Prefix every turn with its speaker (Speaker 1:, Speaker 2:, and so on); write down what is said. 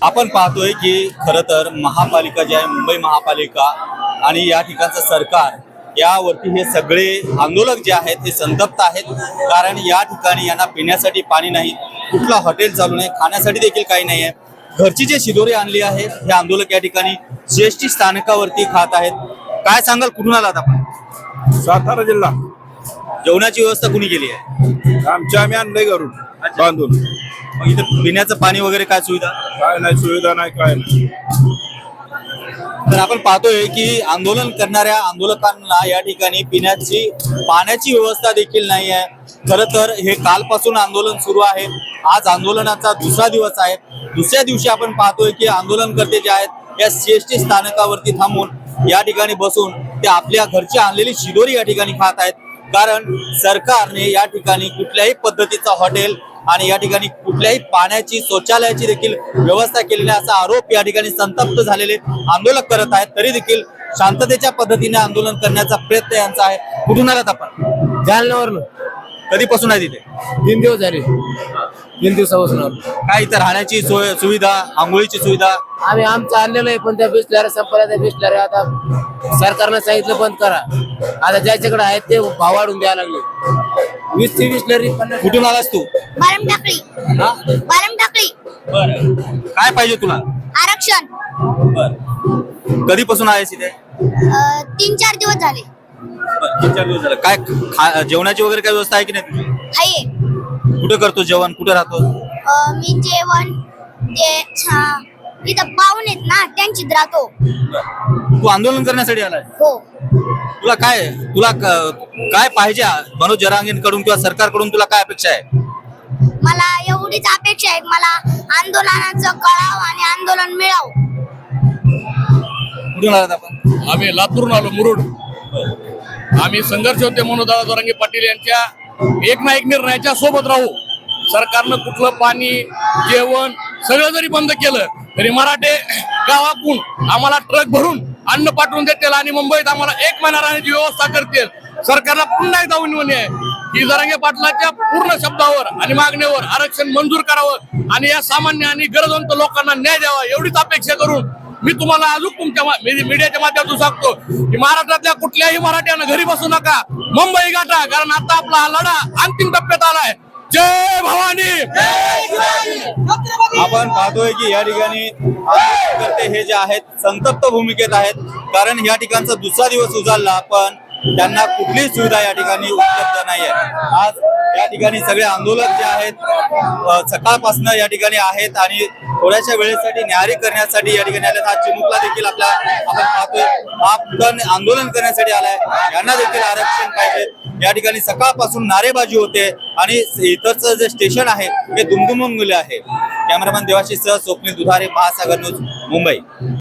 Speaker 1: आपण पाहतोय की खरं तर महापालिका जी आहे मुंबई महापालिका आणि या ठिकाणचं सरकार यावरती हे सगळे आंदोलक जे आहेत ते संतप्त आहेत। कारण या ठिकाणी यांना पिण्यासाठी पाणी नाही, कुठला हॉटेल चालू नाही, खाण्यासाठी देखील काही नाही आहे। घरची जे शिदोरी आणली आहे हे आंदोलक या ठिकाणी जीएसटी स्थानकावरती खात आहेत। काय सांगाल, कुठून आलात आपण?
Speaker 2: सातारा जिल्हा।
Speaker 1: जेवणाची व्यवस्था कुणी केली आहे?
Speaker 2: आम्ही आणलंय घरून बांधून।
Speaker 1: मग इथं पिण्याचं पाणी वगैरे काय सुविधा?
Speaker 2: काय नाही, सुविधा नाही, काय नाही।
Speaker 1: तर आपण पाहतोय की आंदोलन करणाऱ्या आंदोलकांना या ठिकाणी पिण्याची पाण्याची व्यवस्था देखील नाही आहे। खरं तर हे कालपासून आंदोलन सुरू आहे, आज आंदोलनाचा दुसरा दिवस आहे। दुसऱ्या दिवशी आपण पाहतोय की आंदोलनकर्ते जे आहेत या सीएसटी स्थानकावरती थांबून या ठिकाणी बसून ते आपल्या घरची आणलेली शिदोरी या ठिकाणी खात आहेत। कारण सरकारने या ठिकाणी कुठल्याही पद्धतीचा हॉटेल आणि या ठिकाणी कुठल्याही पाण्याची शौचालयाची देखील व्यवस्था केली नाही असा आरोप या ठिकाणी संतप्त झालेले आंदोलक करत आहेत। तरी देखील शांततेच्या पद्धतीने आंदोलन करण्याचा प्रयत्न यांचा आहे। कुठून आलात आपण?
Speaker 3: जालन्यावरून।
Speaker 1: कधीपासून आहे तिथे?
Speaker 3: 3 दिवस झाले। 3 दिवसापासून आलो।
Speaker 1: काय इतर राहण्याची सोय सुविधा, आंघोळीची सुविधा?
Speaker 3: आम्ही आमचं आणलेलं आहे, पण त्या बिस्लऱ्या संपल्या। त्या बिस्लऱ्या आता सरकारनं सांगितलं बंद करा। आता ज्याच्याकडे आहेत ते भाव वाढून द्यायला लागले। 20 ची बिस्लरी 50।
Speaker 1: कुठून आलास तू?
Speaker 4: बारम टाकळी।
Speaker 1: हा?
Speaker 4: बारम टाकळी।
Speaker 1: बरं, काय पाहिजे तुला?
Speaker 4: आरक्षण।
Speaker 1: बर, कधीपासून आहेस इथे?
Speaker 4: 3-4 दिवस झाले।
Speaker 1: बरं, 3-4 दिवस झाले। काय जेवणाची वगैरे काय व्यवस्था आहे की नाही तुझी?
Speaker 4: हाय।
Speaker 1: कुठे करतो जेवण, कुठे राहतो?
Speaker 4: मी जेवण ते इथं पाहुणे आहेत ना, त्यांच्यात राहतो।
Speaker 1: तू आंदोलन करण्यासाठी आलाय?
Speaker 4: हो।
Speaker 1: तुला काय पाहिजे मनोज जरांगेंकडून किंवा सरकारकडून? तुला काय अपेक्षा आहे?
Speaker 4: मला एवढीच अपेक्षा आहे, मला आंदोलनाचं कळावं आणि आंदोलन मिळावं।
Speaker 1: कुठून आलात आपण?
Speaker 5: आम्ही लातूरून आलो, मुरुड। आम्ही संघर्ष होते मनोज जरांगे पाटील यांच्या एक ना एक निर्णयाच्या सोबत राहू। सरकारनं कुठलं पाणी, जेवण सगळं जरी बंद केलं तरी मराठे गावातून आम्हाला ट्रक भरून अन्न पाठवून देतील आणि मुंबईत आम्हाला 1 महिना राहण्याची व्यवस्था करतील। सरकारला पुन्हा एकदा विनवणी आहे की जरांगे पाटलाच्या पूर्ण शब्दावर आणि मागणीवर आरक्षण मंजूर करावं आणि या सामान्य आणि गरजवंत लोकांना न्याय द्यावा, एवढीच अपेक्षा करून मी तुम्हाला अजून तुमच्या मीडियाच्या माध्यमातून सांगतो की महाराष्ट्रातल्या कुठल्याही मराठ्यानं घरी बसू नका, मुंबई गाठा। कारण आता आपला हा लढा अंतिम टप्प्यात आलाय। जय भवानी।
Speaker 1: आपण पाहतोय की या ठिकाणी आंदोलनकर्ते हे जे आहेत संतप्त भूमिकेत आहेत। कारण या ठिकाणचा दुसरा दिवस उजाडला, पण त्यांना कुठलीही सुविधा या ठिकाणी उपलब्ध नाही आहे। आज या ठिकाणी सगळे आंदोलक जे आहेत सकाळपासून या ठिकाणी आहेत आणि थोड्याशा वेळेसाठी न्याहारी करण्यासाठी या ठिकाणी आले। हा चिमुकला देखील आपण पाहतोय हा पुढे आंदोलन करण्यासाठी आलाय। यांना देखील आरक्षण पाहिजे। या ठिकाणी सकाळपासून नारेबाजी होते आणि इतरचं जे स्टेशन आहे हे दुमदुमून गेले आहे। कॅमेरामॅन देवाशीष सह स्वप्नील दुधारे, महासागर न्यूज, मुंबई।